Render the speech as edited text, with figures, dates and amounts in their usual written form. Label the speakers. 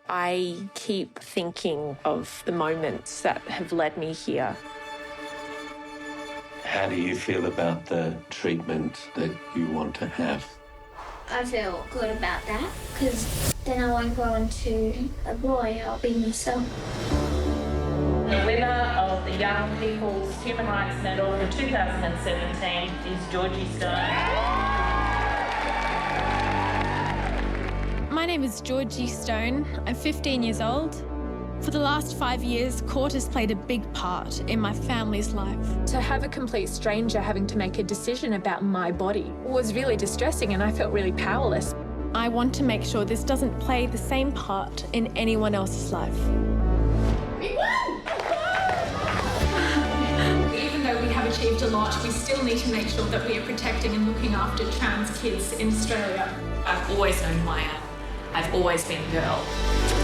Speaker 1: I keep thinking of the moments that have led me here.
Speaker 2: How do you feel about the treatment that you want to have?
Speaker 3: I feel good about that because then I won't grow into a boy, I'll be myself.
Speaker 4: The winner of the Young People's Human Rights Medal for 2017 is Georgie Stone.
Speaker 5: My name is Georgie Stone. I'm 15 years old. For the last 5 years, court has played a big part in my family's life.
Speaker 1: To have a complete stranger having to make a decision about my body was really distressing, and I felt really powerless.
Speaker 5: I want to make sure this doesn't play the same part in anyone else's life.
Speaker 6: We won! Even though we have achieved a lot, we still need to make sure that we are protecting and looking after trans kids in Australia.
Speaker 4: I've always known who I am. I've always been a girl.